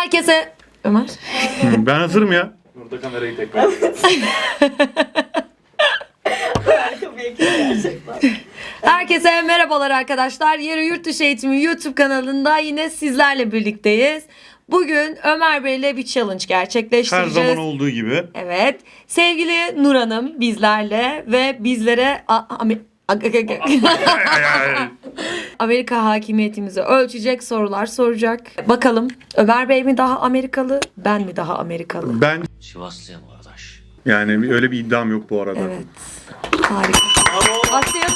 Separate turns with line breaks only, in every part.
Herkese... Ömer?
Ben hazırım ya.
Burada kamerayı tekrar.
Harika bir ekip gerçekten.
Herkese merhabalar arkadaşlar. Yarı Yurt Dışı Eğitimi YouTube kanalında yine sizlerle birlikteyiz. Bugün Ömer Bey'le bir challenge
Her
gerçekleştireceğiz.
zaman olduğu gibi.
Evet. Sevgili Nur Hanım bizlerle ve bizlere Amerika hakimiyetimizi ölçecek sorular soracak. Bakalım Ömer Bey mi daha Amerikalı, ben mi daha Amerikalı?
Ben
Sivaslıyım kardeş.
yani öyle bir iddiam yok bu arada.
Evet. Harika. Başlayalım.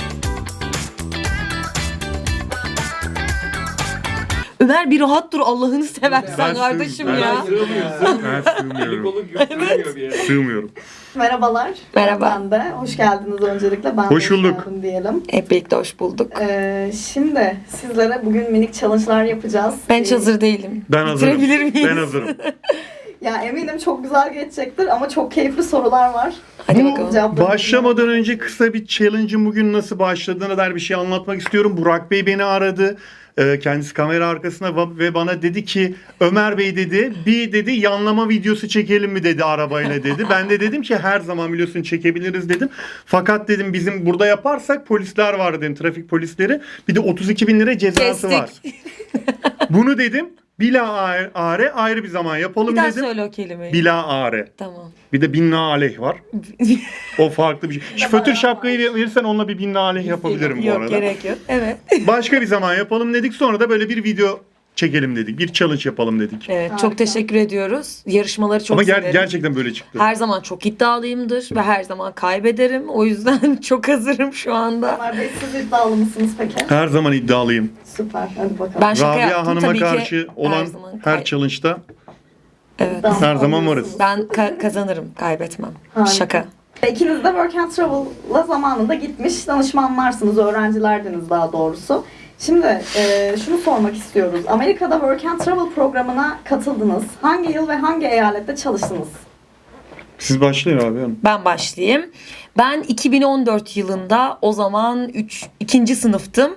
Ömer bir rahat dur Allah'ını seversen
Ben
kardeşim
ben
ya.
Ben sığmıyorum.
Kolu götürmüyor bir yere.
Sığmıyorum.
Merhabalar.
Merhaba.
Ben de. Hoş geldiniz öncelikle. Ben
Hoş
de
bulduk.
geldin diyelim.
Hep birlikte hoş bulduk.
Şimdi sizlere bugün minik challenge'lar yapacağız.
Ben hiç hazır değilim.
Ben hazırım.
Bitirebilir miyiz?
Ben hazırım.
Ya eminim çok güzel geçecektir ama çok keyifli sorular var.
Hadi
Bunun
bakalım.
cevaplarını
Başlamadan önce kısa bir challenge'ın bugün nasıl başladığına dair bir şey anlatmak istiyorum. Burak Bey beni aradı. Kendisi kamera arkasında ve bana dedi ki Ömer Bey dedi bir dedi yanlama videosu çekelim mi dedi arabayla dedi. Ben de dedim ki her zaman biliyorsun çekebiliriz dedim. Fakat dedim bizim burada yaparsak polisler var dedim, trafik polisleri. Bir de 32 bin lira cezası var.
Kestik.
Bunu dedim bila are ayrı bir zaman yapalım
Bir daha
dedim.
söyle o kelimeyi.
Bila are.
Tamam.
Bir de binna aleyh var. O farklı bir şey. Şu fötür şapkayı verirsen onunla bir binna aleyh yapabilirim bu
Yok
arada.
gerek yok. Evet.
Başka bir zaman yapalım dedik. Sonra da böyle bir video çekelim dedik. Bir challenge yapalım dedik.
Evet
Harika.
çok teşekkür ediyoruz. Yarışmaları çok
Ama
severim.
gerçekten böyle çıktı.
Her zaman çok iddialıyımdır ve her zaman kaybederim. O yüzden çok hazırım şu anda.
Ömer Bey siz iddialı mısınız peki?
Her zaman iddialıyım.
Süper. Hadi bakalım.
Ben şaka
Rabia
yaptım
Hanım'a
tabii ki.
karşı olan
zaman
her challenge'da
Evet.
İddialı
her zaman
olmalısınız.
varız.
Ben kazanırım, kaybetmem.
Harika.
Şaka.
İkiniz de Work and Travel'la zamanında gitmiş danışmanlarsınız, öğrencilerdiniz daha doğrusu. Şimdi şunu sormak istiyoruz. Amerika'da Work and Travel programına katıldınız. Hangi yıl ve hangi eyalette çalıştınız?
Siz başlayın abi. hanım.
Ben başlayayım. Ben 2014 yılında o zaman 2. sınıftım.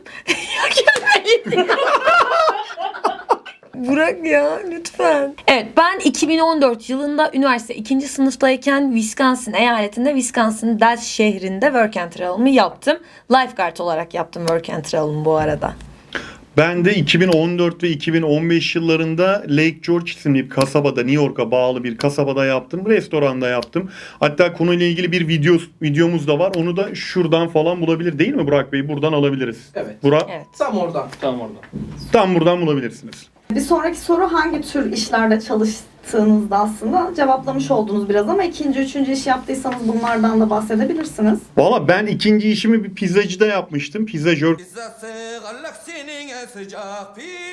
Burak ya lütfen. Evet ben 2014 yılında üniversite 2. sınıftayken Wisconsin eyaletinde Wisconsin Dells şehrinde Work and Travel'ımı yaptım. Lifeguard olarak yaptım Work and Travel'ımı bu arada.
Ben de 2014 ve 2015 yıllarında Lake George isimli bir kasabada, New York'a bağlı bir kasabada yaptım. Restoranda yaptım. Hatta konuyla ilgili bir videomuz da var. Onu da şuradan falan bulabilir değil mi Burak Bey? Buradan alabiliriz.
Evet.
Burak,
Evet.
Tam oradan. Tam oradan.
tam buradan bulabilirsiniz.
Bir sonraki soru hangi tür işlerde çalıştığınızda aslında cevaplamış oldunuz biraz ama ikinci, üçüncü iş yaptıysanız bunlardan da bahsedebilirsiniz.
Valla ben ikinci işimi bir pizzacıda yapmıştım. Pizzacı.
Pizzası, galaksinin en sıcak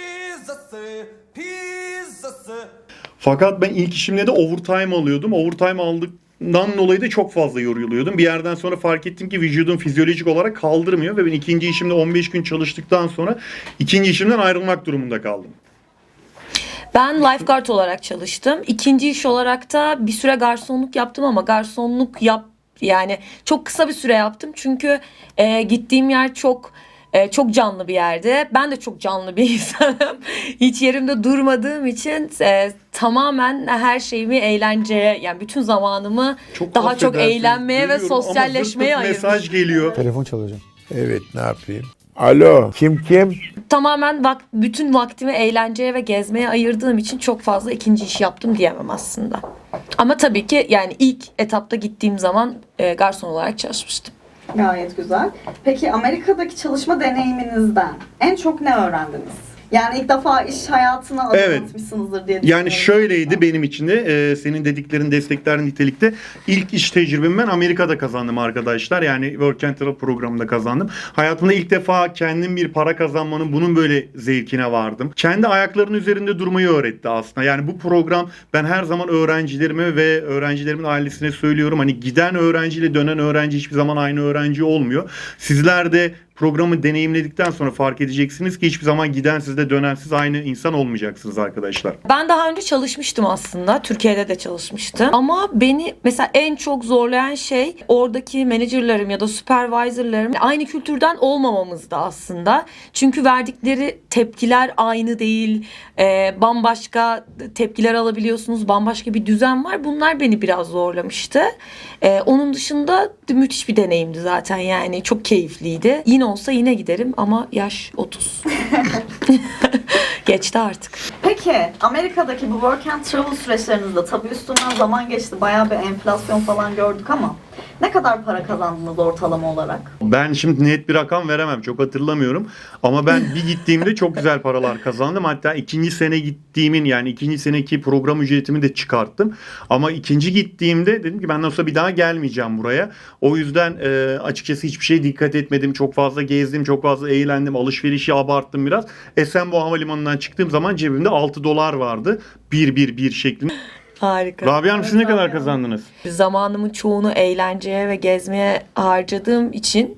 pizzası.
Fakat ben ilk işimde de overtime alıyordum. Overtime aldıktan dolayı da çok fazla yoruluyordum. Bir yerden sonra fark ettim ki vücudum fizyolojik olarak kaldırmıyor ve ben ikinci işimde 15 gün çalıştıktan sonra ikinci işimden ayrılmak durumunda kaldım.
Ben lifeguard olarak çalıştım. İkinci iş olarak da bir süre garsonluk yaptım ama garsonluk yani çok kısa bir süre yaptım. Çünkü gittiğim yer çok canlı bir yerde. Ben de çok canlı bir insanım. Hiç yerimde durmadığım için tamamen her şeyimi eğlenceye yani bütün zamanımı daha çok
affedersiniz,
eğlenmeye ve
görüyorum ama
sosyalleşmeye
zırt zırt
ayırmışım.
mesaj geliyor.
Telefon çalacağım.
Evet, ne yapayım? Alo, kim?
Tamamen bütün vaktimi eğlenceye ve gezmeye ayırdığım için çok fazla ikinci iş yaptım diyemem aslında. Ama tabii ki yani ilk etapta gittiğim zaman garson olarak çalışmıştım.
Gayet güzel. Peki Amerika'daki çalışma deneyiminizden en çok ne öğrendiniz? Yani ilk defa iş hayatına adım
Evet.
atmışsınızdır diye düşünüyorum.
Yani şöyleydi benim için de senin dediklerin destekler nitelikte. İlk iş tecrübemi ben Amerika'da kazandım arkadaşlar. Yani Work and Travel programında kazandım. Hayatımda ilk defa kendim bir para kazanmanın bunun böyle zevkine vardım. Kendi ayaklarının üzerinde durmayı öğretti aslında. Yani bu program ben her zaman öğrencilerime ve öğrencilerimin ailesine söylüyorum. Hani giden öğrenciyle dönen öğrenci hiçbir zaman aynı öğrenci olmuyor. Sizler de programı deneyimledikten sonra fark edeceksiniz ki hiçbir zaman giden siz de dönen siz aynı insan olmayacaksınız arkadaşlar.
Ben daha önce çalışmıştım aslında. Türkiye'de de çalışmıştım. Ama beni mesela en çok zorlayan şey oradaki menajerlerim ya da supervisorlarım aynı kültürden olmamamızdı aslında. Çünkü verdikleri tepkiler aynı değil. Bambaşka tepkiler alabiliyorsunuz. Bambaşka bir düzen var. Bunlar beni biraz zorlamıştı. Onun dışında müthiş bir deneyimdi zaten yani. Çok keyifliydi. Yine olsa yine giderim ama yaş 30. Geçti artık.
Peki Amerika'daki bu work and travel süreçlerinizde tabii üstünden zaman geçti. Bayağı bir enflasyon falan gördük ama ne kadar para kazandınız ortalama olarak?
Ben şimdi net bir rakam veremem. Çok hatırlamıyorum. Ama ben bir gittiğimde çok güzel paralar kazandım. Hatta ikinci sene gittiğimin yani ikinci seneki program ücretimi de çıkarttım. Ama ikinci gittiğimde dedim ki ben nasıl bir daha gelmeyeceğim buraya. O yüzden açıkçası hiçbir şeye dikkat etmedim. Çok fazla gezdim, çok fazla eğlendim. Alışverişi abarttım biraz. Esenboğa Havalimanı'ndan çıktığım zaman cebimde $6 vardı. 1 şeklinde.
Harika.
Rabia Hanım siz ne kadar kazandınız?
Zamanımın çoğunu eğlenceye ve gezmeye harcadığım için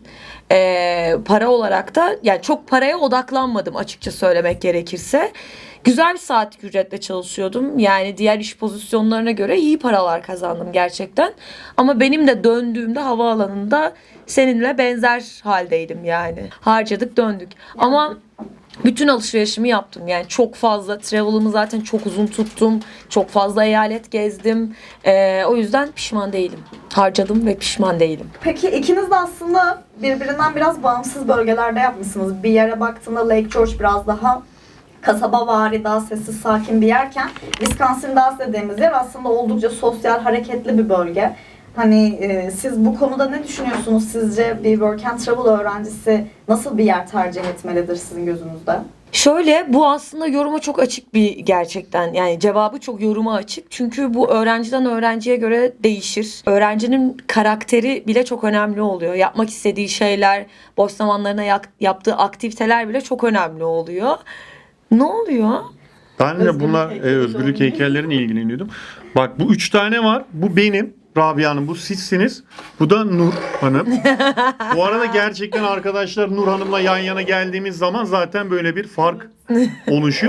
para olarak da yani çok paraya odaklanmadım açıkça söylemek gerekirse. Güzel bir saatlik ücretle çalışıyordum. Yani diğer iş pozisyonlarına göre iyi paralar kazandım gerçekten. Ama benim de döndüğümde havaalanında seninle benzer haldeydim yani. Harcadık döndük. Ama bütün alışverişimi yaptım. Yani çok fazla travel'ımı zaten çok uzun tuttum. Çok fazla eyalet gezdim. O yüzden pişman değilim. Harcadım ve pişman değilim.
Peki ikiniz de aslında birbirinden biraz bağımsız bölgelerde yapmışsınız. Bir yere baktığında Lake George biraz daha kasabavari, daha sessiz, sakin bir yerken Wisconsin Dells dediğimiz yer aslında oldukça sosyal, hareketli bir bölge. Hani siz bu konuda ne düşünüyorsunuz? Sizce bir work and travel öğrencisi nasıl bir yer tercih etmelidir sizin gözünüzde?
Şöyle bu aslında yoruma çok açık bir gerçekten yani cevabı çok yoruma açık. Çünkü bu öğrenciden öğrenciye göre değişir. Öğrencinin karakteri bile çok önemli oluyor. Yapmak istediği şeyler, boş zamanlarına yaptığı aktiviteler bile çok önemli oluyor. Ne oluyor?
Ben de bunlar özgürlük heykellerine ilgileniyordum. Bak bu 3 tane var. Bu benim. Rabia Hanım bu sizsiniz. Bu da Nur Hanım. Bu arada gerçekten arkadaşlar Nur Hanım'la yan yana geldiğimiz zaman zaten böyle bir fark oluşuyor.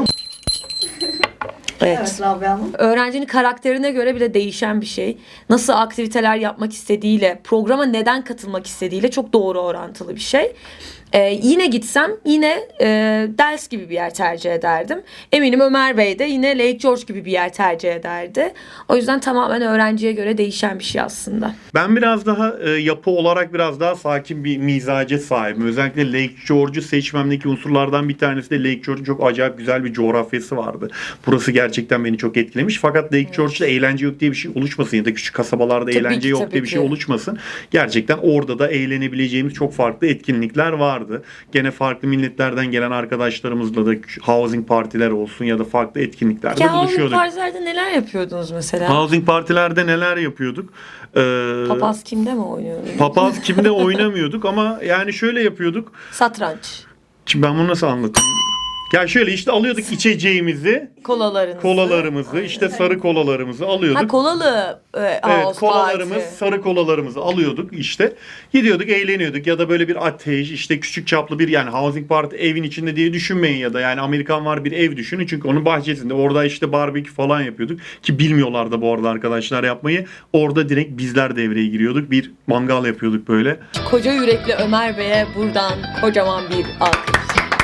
Evet Rabia Hanım.
Öğrencinin karakterine göre bile değişen bir şey. Nasıl aktiviteler yapmak istediğiyle, programa neden katılmak istediğiyle çok doğru orantılı bir şey. Yine gitsem yine Dells gibi bir yer tercih ederdim. Eminim Ömer Bey de yine Lake George gibi bir yer tercih ederdi. O yüzden tamamen öğrenciye göre değişen bir şey aslında.
Ben biraz daha yapı olarak biraz daha sakin bir mizaca sahibim. Özellikle Lake George'u seçmemdeki unsurlardan bir tanesi de Lake George'un çok acayip güzel bir coğrafyası vardı. Burası gerçekten beni çok etkilemiş. Fakat Lake George'da eğlence yok diye bir şey oluşmasın ya da küçük kasabalarda
Tabii
eğlence
ki,
yok
tabii
diye bir şey
ki.
oluşmasın. Gerçekten orada da eğlenebileceğimiz çok farklı etkinlikler vardı. Gene farklı milletlerden gelen arkadaşlarımızla da housing partiler olsun ya da farklı etkinliklerde
Ya housing
buluşuyorduk.
partilerde neler yapıyordunuz mesela?
Housing partilerde neler yapıyorduk?
Papaz kimde mi oynuyordunuz?
Papaz kimde oynamıyorduk ama yani şöyle yapıyorduk.
Satranç.
Şimdi ben bunu nasıl anlatayım? Ya şöyle işte alıyorduk içeceğimizi, kolalarımızı, işte sarı kolalarımızı alıyorduk.
Ha kolalı
Evet,
house
kolalarımız,
party.
sarı kolalarımızı alıyorduk işte. Gidiyorduk, eğleniyorduk ya da böyle bir ateş, işte küçük çaplı bir yani housing party evin içinde diye düşünmeyin ya da yani Amerikan var bir ev düşünün. Çünkü onun bahçesinde orada işte barbekü falan yapıyorduk ki bilmiyorlar da bu arada arkadaşlar yapmayı. Orada direkt bizler devreye giriyorduk. Bir mangal yapıyorduk böyle.
Koca yürekli Ömer Bey'e buradan kocaman bir alkış.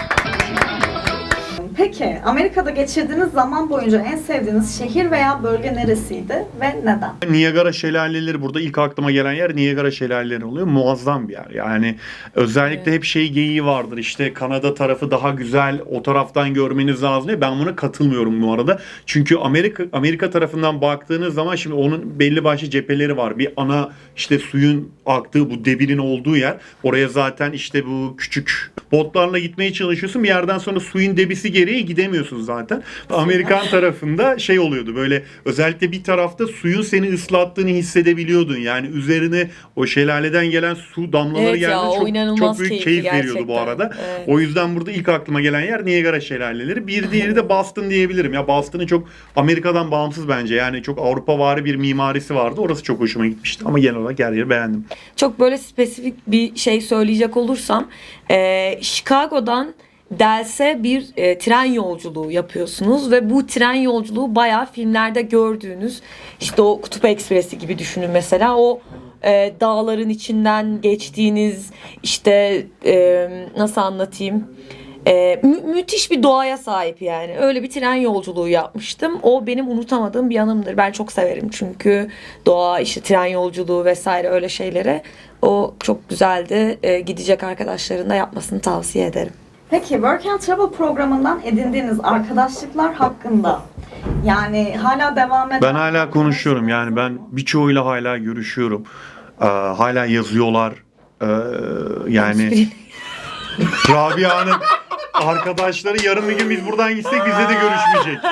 Peki Amerika'da geçirdiğiniz zaman boyunca en sevdiğiniz şehir veya bölge neresiydi ve neden?
Niagara Şelaleleri burada ilk aklıma gelen yer Niagara Şelaleleri oluyor. Muazzam bir yer. Yani özellikle hep şey geyiği vardır. İşte Kanada tarafı daha güzel. O taraftan görmeniz lazım diye. Ben buna katılmıyorum bu arada. Çünkü Amerika tarafından baktığınız zaman şimdi onun belli başlı cepheleri var. Bir ana işte suyun aktığı bu debinin olduğu yer. Oraya zaten işte bu küçük botlarla gitmeye çalışıyorsun. Bir yerden sonra suyun debisi geliyor. yere gidemiyorsun zaten. Amerikan tarafında şey oluyordu böyle, özellikle bir tarafta suyun seni ıslattığını hissedebiliyordun. Yani üzerine o şelaleden gelen su damlaları
Evet ya,
geldiğinde
o inanılmaz
çok büyük
keyifli
keyif veriyordu bu
gerçekten.
arada.
Evet.
O yüzden burada ilk aklıma gelen yer Niagara şelaleleri. Bir diğeri de Boston diyebilirim. Ya Boston'ın çok Amerika'dan bağımsız bence. Yani çok Avrupavari bir mimarisi vardı. Orası çok hoşuma gitmişti. Ama genel olarak her yeri beğendim.
Çok böyle spesifik bir şey söyleyecek olursam Chicago'dan Dells'e bir tren yolculuğu yapıyorsunuz ve bu tren yolculuğu bayağı filmlerde gördüğünüz işte o Kutup Ekspresi gibi düşünün mesela, o dağların içinden geçtiğiniz işte nasıl anlatayım, müthiş bir doğaya sahip yani. Öyle bir tren yolculuğu yapmıştım. O benim unutamadığım bir anımdır. Ben çok severim çünkü doğa, işte tren yolculuğu vesaire öyle şeylere. O çok güzeldi. Gidecek arkadaşların da yapmasını tavsiye ederim.
Peki Work and Travel programından edindiğiniz arkadaşlıklar hakkında, yani hala devam eden...
Ben hala konuşuyorum. Yani ben birçoğuyla hala görüşüyorum. Hala yazıyorlar. Yani Rabia'nın arkadaşları yarın bir gün biz buradan gitsek bizle de görüşmeyecek.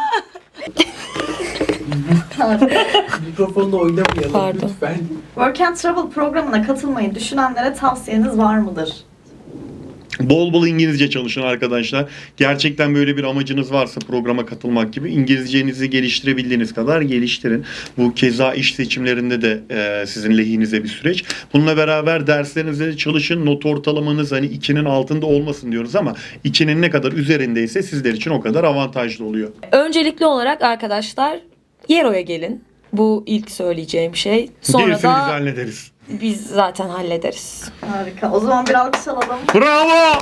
Mikrofonla oynamayalım
Pardon.
lütfen.
Work and Travel programına katılmayı düşünenlere tavsiyeniz var mıdır?
Bol bol İngilizce çalışın arkadaşlar. Gerçekten böyle bir amacınız varsa programa katılmak gibi, İngilizcenizi geliştirebildiğiniz kadar geliştirin. Bu keza iş seçimlerinde de sizin lehinize bir süreç. Bununla beraber derslerinizde de çalışın. Not ortalamanız hani 2'nin altında olmasın diyoruz ama 2'nin ne kadar üzerindeyse sizler için o kadar avantajlı oluyor.
Öncelikli olarak arkadaşlar Yero'ya gelin. Bu ilk söyleyeceğim şey. Sonra
Gerisini biz
da
hallederiz.
biz zaten hallederiz.
Harika. O zaman bir alkış alalım.
Bravo!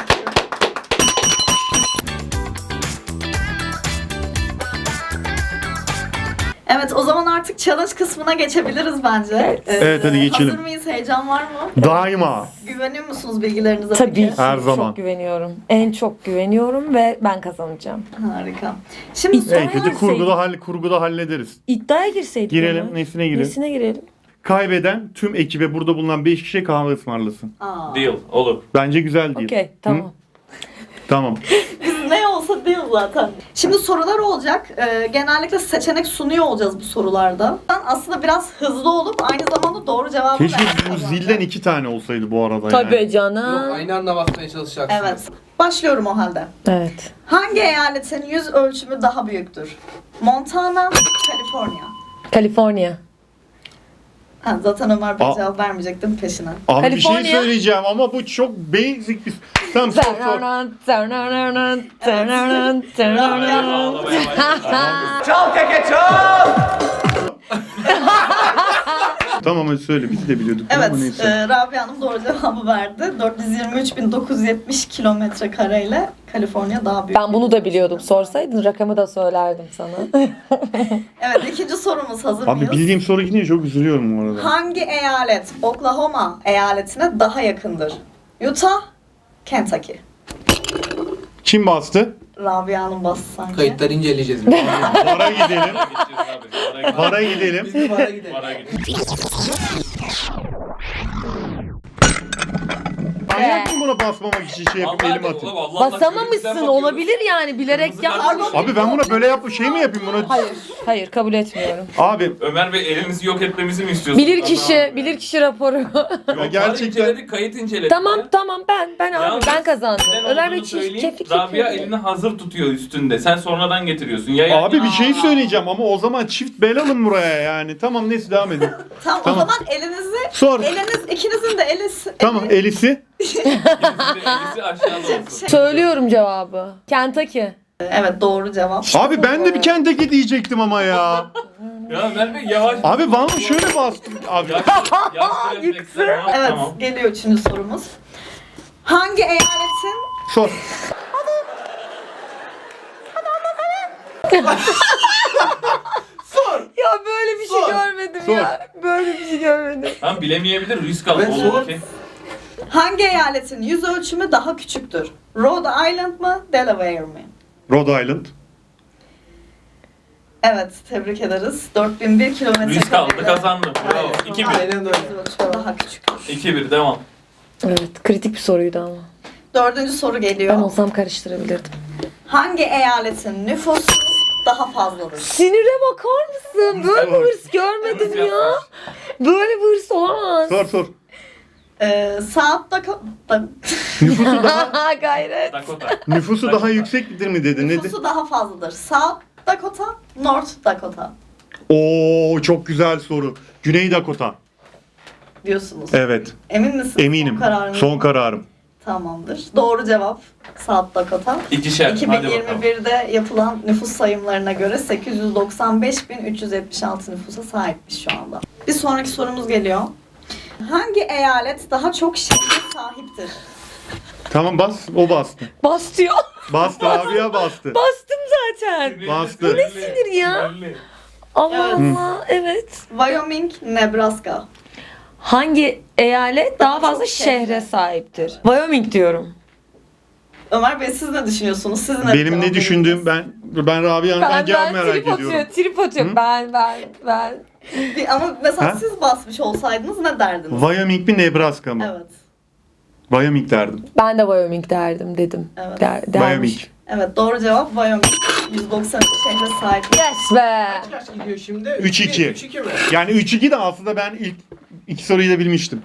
Evet, o zaman artık challenge kısmına geçebiliriz bence.
Evet, hadi geçelim.
Hazır mıyız? Heyecan var mı?
Daima.
Güveniyor musunuz bilgilerinize
Tabii
peki?
ki
Her zaman.
çok güveniyorum. En çok güveniyorum ve ben kazanacağım.
Harika. Şimdi
İddiaya
En kötü kurguda hallederiz.
İddiaya girseydik.
Girelim.
ama.
Nesine girelim?
Nesine girelim?
Kaybeden tüm ekibe burada bulunan 5 kişiye kahve ısmarlasın.
Aa,
Deal. Olur.
Bence güzel değil.
Okey, tamam.
Tamam.
ne olsa değil zaten. Şimdi sorular olacak. Genellikle seçenek sunuyor olacağız bu sorularda. Aslında biraz hızlı olup aynı zamanda doğru cevabı
Keşke
vermek
bu
kazanacak.
zilden 2 tane olsaydı bu arada
Tabii
yani.
Yok,
canım.
aynı anda basmaya çalışacaksınız.
Evet. Başlıyorum o halde.
Evet.
Hangi eyaletin yüz ölçümü daha büyüktür? Montana, Kaliforniya.
Kaliforniya.
Ha, zaten Ömer Bey
Aa.
cevap vermeyecektim peşine.
Abi bir şey
Kaliforniya.
söyleyeceğim ama bu çok basic bir... Tamam sor.
Ağlamaya
Tamam hadi söyle, biz de biliyorduk.
Evet,
Ama neyse.
Rabia Hanım doğru cevabı verdi. 423.970 kilometre kareyle Kaliforniya daha büyük.
Ben bunu da biliyordum. Sorsaydın rakamı da söylerdim sana.
Evet, ikinci sorumuz hazır
Abi
mıyız?
bildiğim soru gidince çok üzülüyorum bu arada.
Hangi eyalet Oklahoma eyaletine daha yakındır? Utah, Kentucky.
Kim bastı?
Rabia Hanım bastı sanki.
Kayıtları inceleyeceğiz.
Vara gidelim.
gideceğiz abi.
Vara gidelim.
Biz de bara gidelim.
Para gidelim.
Manyak mı buna basmamak için şey yapıp elim atayım?
Basamamışsın, olabilir yani, bilerek
Kırmızı
yapmamış.
kart-
Abi ben buna böyle şey mi yapayım buna?
Hayır, kabul etmiyorum.
Abi
Ömer Bey elimizi yok etmemizi mi istiyorsunuz?
Bilirkişi raporu.
Yok,
Ya
var,
gerçekten-
inceledik, kayıt inceledik.
tamam
ya.
ben abi
Yalnız
ben kazandım.
neden
Ömer Bey
olduğunu söyleyeyim.
kefik
Rabia
yapıyor.
elini hazır tutuyor üstünde. Sen sonradan getiriyorsun. Ya
Abi bir şey söyleyeceğim ama o zaman çift bel alın buraya yani. Tamam neyse devam edin.
Tamam,
Tamam.
o zaman elinizi,
Sor.
ikinizin de
Tamam Elisi.
elisi aşağıda olsun.
Söylüyorum cevabı. Kentucky.
Evet, doğru cevap.
Abi ben de bir Kentucky diyecektim ama ya.
Ya Ömer Bey yavaş.
Abi bana şöyle bastım. Abi
Yaş refleksler.
Evet,
Tamam.
geliyor üçüncü sorumuz. Hangi eyaletin
sor.
Ya böyle bir şey görmedim
Sor.
ya. Böyle bir şey görmedim.
Tamam bilemeyebilir, risk al.
Ben
Olur
sor.
ki.
hangi eyaletin yüz ölçümü daha küçüktür? Rhode Island mı, Delaware mi?
Rhode Island.
Evet, tebrik ederiz. 4001 kilometre
Risk aldı, kazandı. Bravo. 2-1.
Aynen öyle.
Yüz ölçümü daha küçüktür.
2-1 devam.
Evet, kritik bir soruydu ama.
Dördüncü soru
Ben
geliyor.
olsam karıştırabilirdim.
Hangi eyaletin nüfusu daha fazladır?
Sinire bakar mısın? Böyle bir hırs görmedim
Hırs
ya.
yapmış.
Böyle bir hırs olamaz.
Sor.
South Dakota.
Gayret.
Nüfusu daha yüksektir mi dedi? Ne dedi?
Nüfusu daha fazladır. South Dakota, North Dakota
Oo, çok güzel soru. Güney Dakota.
diyorsunuz.
Evet.
Emin misiniz?
Eminim.
Son kararınız
Son
mı?
kararım.
Tamamdır. Doğru cevap South Dakota.
İkişer. Hadi bakalım.
2021'de yapılan nüfus sayımlarına göre 895.376 nüfusa sahipmiş şu anda. Bir sonraki sorumuz geliyor. Hangi eyalet daha çok şehre sahiptir?
Tamam bas. O bastı.
Bas diyor.
Bastı Rabia bastı.
Bastım zaten.
Bastı.
Bu ne sinir ya? Allah
Evet.
Allah. Evet.
Wyoming, Nebraska.
Hangi eyalet daha
Daha
fazla
çok şehre.
şehre sahiptir? Wyoming diyorum.
Ömer Bey siz ne düşünüyorsunuz? Siz ne
Benim ne düşündüğüm ben Rabia'nın cevap merak
trip
ediyorum.
atıyor, trip atıyor.
Hı?
Ama mesela
Ha?
siz basmış olsaydınız ne derdiniz?
Wyoming mi Nebraska mı?
Evet.
Wyoming derdim.
Ben de Wyoming derdim dedim.
Evet.
Dermiş.
Wyoming.
Evet doğru cevap Wyoming. 190 şehre sahip.
Yes be.
Kaç gidiyor şimdi?
3-2.
3-2 mi?
Yani 3-2 de aslında ben ilk iki soruyu da bilmiştim.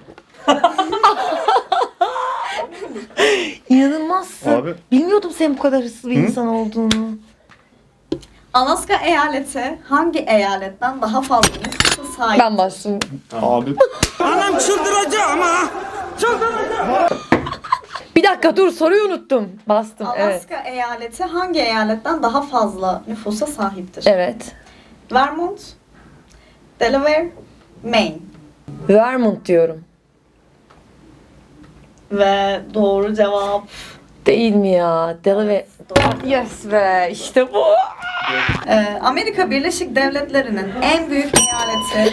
İnanılmazsın.
Abi.
Bilmiyordum senin bu kadar hırslı bir
Hı?
insan olduğunu.
Alaska eyaleti hangi eyaletten daha fazla nüfusa sahip?
Ben bastım.
Abi.
Bir dakika dur, soruyu unuttum. Bastım. Evet.
Alaska eyaleti hangi eyaletten daha fazla nüfusa sahiptir?
Evet.
Vermont, Delaware, Maine.
Vermont diyorum.
Ve doğru cevap
Değil mi ya? Delaware.
doğru.
Yes be. İşte bu.
Amerika Birleşik Devletleri'nin en büyük eyaleti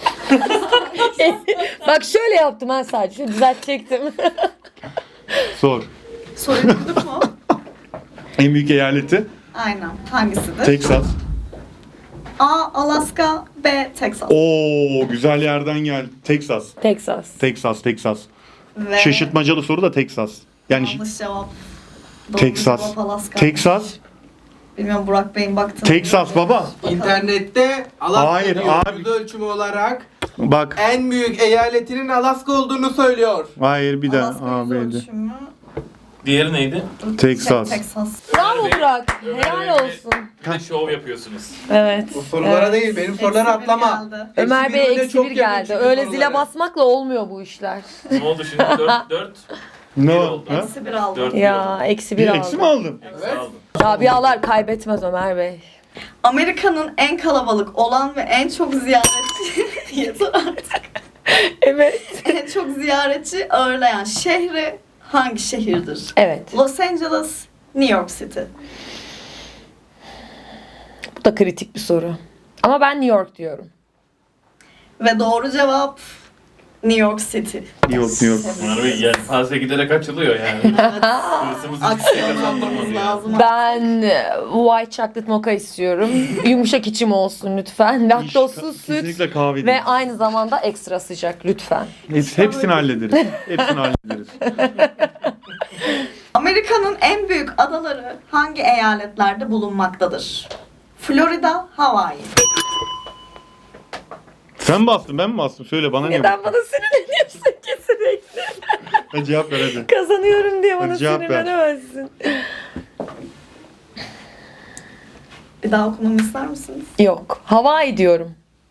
Bak şöyle yaptım ben sadece. Şöyle düzeltecektim.
Sor.
soruyu duyduk mu?
En büyük eyaleti
Aynen. Hangisidir?
Texas.
A. Alaska, B. Texas.
Oo, güzel yerden geldi. Texas.
Texas.
Ve
Şaşırtmacalı soru da Texas. Yani
yanlış cevap. Doğru
Texas.
cevap Alaska.
Texas.
Bilmiyorum Burak Bey'in baktığını.
Texas baba.
İnternette Alaska
Hayır,
diyor.
abi.
Yüz ölçümü olarak
Bak.
en büyük eyaletinin Alaska olduğunu söylüyor.
Hayır bir daha.
Alaska yüz
Abi.
ölçümü.
Diğeri neydi?
Texas.
Texas.
Bravo Burak. Helal olsun.
Bir de şov yapıyorsunuz.
Evet.
Bu sorulara
Evet.
değil, benim soruları
Eksi bir
atlama.
geldi.
Ömer Bey
Eksi
eksi
çok
bir
yakın
geldi.
çünkü
Öyle
sorulara.
zile basmakla olmuyor bu işler.
Ne oldu şimdi? 4
Ne
Bir
o?
oldu.
Ha?
Eksi bir aldı.
4
Ya eksi
Bir
bir
eksi mi
aldım.
aldın?
Evet.
Rabialar kaybetmez Ömer Bey.
Amerika'nın en kalabalık olan ve en çok ziyaretçi yeter artık.
Evet.
En çok ziyaretçi ağırlayan şehri hangi şehirdir?
Evet.
Los Angeles, New York City.
Bu da kritik bir soru. Ama ben New York diyorum.
Ve doğru cevap New York City.
New York.
Ömer Bey yelpaze giderek açılıyor yani. Hırsımız hiçbir şey kazandırmadı
Aksiyonlamamız
ya.
lazım.
Ben white chocolate mocha istiyorum. Yumuşak içim olsun lütfen. Laktozsuz süt.
Kesinlikle kahve
Ve
değil.
aynı zamanda ekstra sıcak lütfen.
Hepsini hallederiz. Hepsini hallederiz.
Amerika'nın en büyük adaları hangi eyaletlerde bulunmaktadır? Florida, Hawaii.
Sen bastın, ben mi bastım? Söyle bana ne?
Neden bana sinirleniyorsun ki sürekli?
Hadi cevap ver hadi.
Kazanıyorum diye bana
Hadi cevap ver.
sinirlenemezsin.
Bir daha okumamı ister misiniz?
Yok. Hawaii diyorum.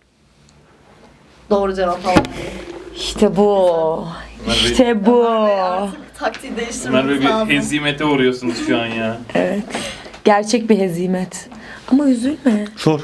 Doğru cevap Hawaii.
İşte bu. İşte bu.
Ömer Bey artık taktiği
Ömer Bey
değiştirmemiz
bir
lazım.
hezimete uğruyorsunuz şu an ya.
Evet. Gerçek bir hezimet. Ama üzülme.
Sor.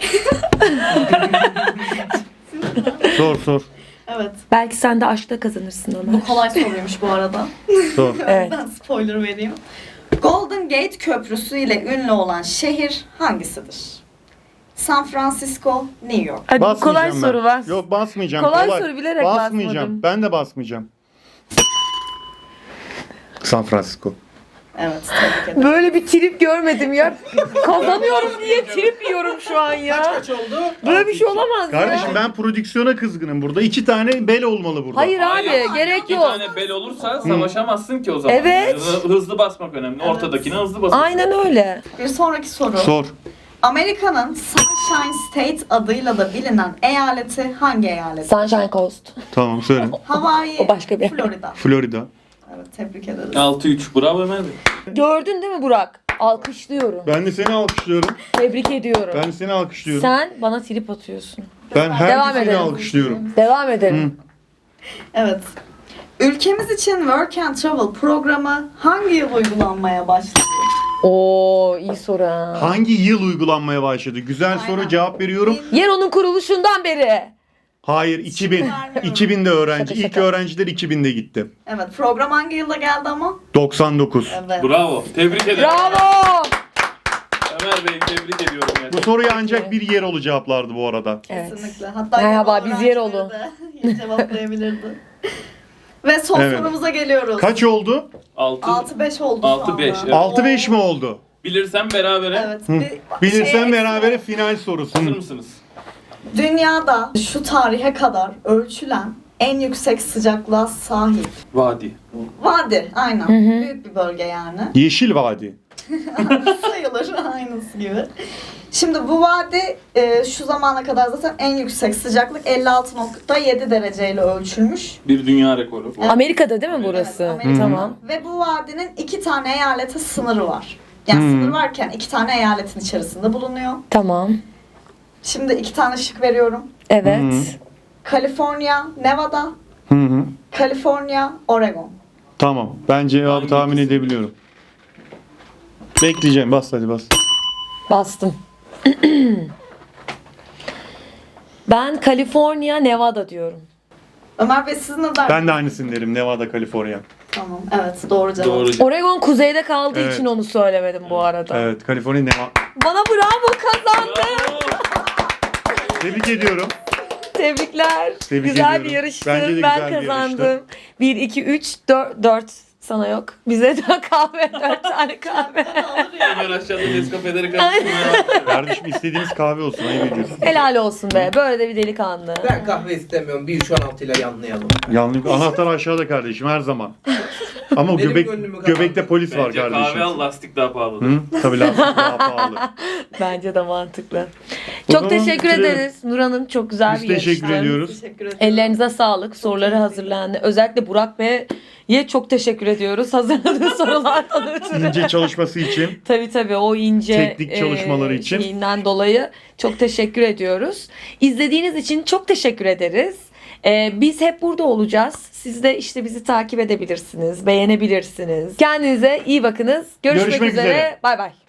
Sor.
Evet.
Belki sen de aşkta kazanırsın Ömer.
Bu kolay soruymuş bu arada.
Sor.
Evet.
Ben spoiler vereyim. Golden Gate Köprüsü ile ünlü olan şehir hangisidir? San Francisco, New York.
Hadi kolay
Basmayacağım ben.
soru var.
Yok basmayacağım.
Kolay soru bilerek
basmayacağım.
basmadım.
Ben de basmayacağım. San Francisco.
Evet, tebrik ederim.
Böyle bir trip görmedim ya. Kazanıyorum diye trip yiyorum şu an ya.
Kaç oldu?
Böyle bir şey olamaz
Kardeşim
ya.
ben prodüksiyona kızgınım burada. 2 tane bel olmalı burada.
Hayır abi
Hayır.
gerek
İki
yok.
tane bel olursa savaşamazsın ki o zaman.
Evet.
Hızlı basmak önemli. Ortadakine hızlı basmak.
Aynen öyle.
Bir sonraki soru.
Sor.
Amerika'nın Sunshine State adıyla da bilinen eyaleti hangi eyalet?
Sunshine Coast.
Tamam söyle.
Hawaii,
O başka bir yer.
Florida.
Florida.
Evet, tebrik ederiz.
6-3. Bravo Ömer Bey.
Gördün değil mi Burak? Alkışlıyorum.
Ben de seni alkışlıyorum.
Tebrik ediyorum.
Ben de seni alkışlıyorum.
Sen bana trip atıyorsun.
Ben
Devam
herkesini
edelim.
alkışlıyorum.
Devam edelim.
Evet. Ülkemiz için Work and Travel programı hangi yıl uygulanmaya başladı?
Oo iyi soru ha.
Hangi yıl uygulanmaya başladı? Güzel soru,
Aynen.
cevap veriyorum.
Yer onun kuruluşundan beri.
Hayır 2000.
vermiyorum.
2000'de öğrenci.
Şaka,
İlk
şaka.
öğrenciler 2000'de gitti.
Evet, program hangi yılda geldi ama?
99.
Evet.
Bravo. Tebrik ederim.
Bravo.
Ömer Bey tebrik ediyorum.
Bu
gerçekten.
soruyu ancak bir yer olu cevaplardı bu arada.
Evet.
Kesinlikle. Hatta
Merhaba,
yabancı
biz yer
öğrencileri
oldu.
de cevaplayabilirdi. Ve son
Evet.
sorumuza geliyoruz.
Kaç oldu?
6-5 oldu şu
6-5,
anda.
evet.
6-5 mi oldu?
Bilirsem berabere.
Evet.
Bilirsen
Şey,
berabere final sorusu.
Hazır mısınız?
Dünyada şu tarihe kadar ölçülen en yüksek sıcaklığa sahip
Vadi.
vadi. Aynen. Büyük bir bölge yani.
Yeşil Vadi.
Sayılır aynısı gibi. Şimdi bu vadi şu zamana kadar zaten en yüksek sıcaklık 56.7 dereceyle ölçülmüş.
Bir dünya rekoru.
Amerika'da değil mi burası?
Evet, Amerika.
Tamam.
Ve bu vadinin 2 tane eyalete sınırı var. Yani sınır varken 2 tane eyaletin içerisinde bulunuyor.
Tamam.
Şimdi 2 tane şık veriyorum.
Evet.
Kaliforniya, Nevada,
Hı hı.
Kaliforniya, Oregon.
Tamam. Ben cevabı
Hangi
tahmin
ikisi?
edebiliyorum. Bekleyeceğim. Bas hadi bas.
Bastım. Ben Kaliforniya, Nevada diyorum.
Ömer Bey siz ne dersiniz?
Ben de aynısını derim. Nevada, Kaliforniya.
Tamam. Evet, doğru cevap.
Doğru.
Oregon kuzeyde kaldığı
Evet.
için onu söylemedim bu arada.
Evet. Kaliforniya, Nevada.
Bana bravo kazandı.
Bravo.
Tebrik ediyorum.
Tebrikler.
Tebrik
güzel
ediyorum.
bir yarıştı.
Bence de
Ben
güzel bir
kazandım. 1, 2, 3, 4 sana yok. Bize de kahve, 4 tane kahve.
Ömer aşağıda Nescafe'leri karıştırmaya.
Kardeşim istediğiniz kahve olsun. Ayıp ediyorsun.
Helal olsun be. Böyle de bir delikanlı.
Ben kahve istemiyorum. 1.16 ile yanlayalım.
Yanlış. Anahtar aşağıda kardeşim her zaman. Ama
Benim
göbek
gönlümü
göbekte
kazandın.
polis var
Bence
kardeşim.
kahve al, lastik daha pahalı.
Hı? Tabii lastik daha pahalı.
Bence de mantıklı.
O
Çok
zaman
teşekkür
bitirelim.
ederiz. Nur Hanım çok güzel
Biz
bir yarıştı.
teşekkür ediyoruz.
Teşekkür ederim.
Ellerinize sağlık. Soruları hazırlandı. Özellikle Burak Bey'e çok teşekkür ediyoruz. Hazırladığı sorulardan ötürü.
İnce çalışması için.
Tabii o ince
Teknik çalışmaları için.
şeyinden dolayı çok teşekkür ediyoruz. İzlediğiniz için çok teşekkür ederiz. Biz hep burada olacağız. Siz de işte bizi takip edebilirsiniz, beğenebilirsiniz. Kendinize iyi bakınız. Görüşmek
Görüşmek
üzere.
üzere.
Bay bay.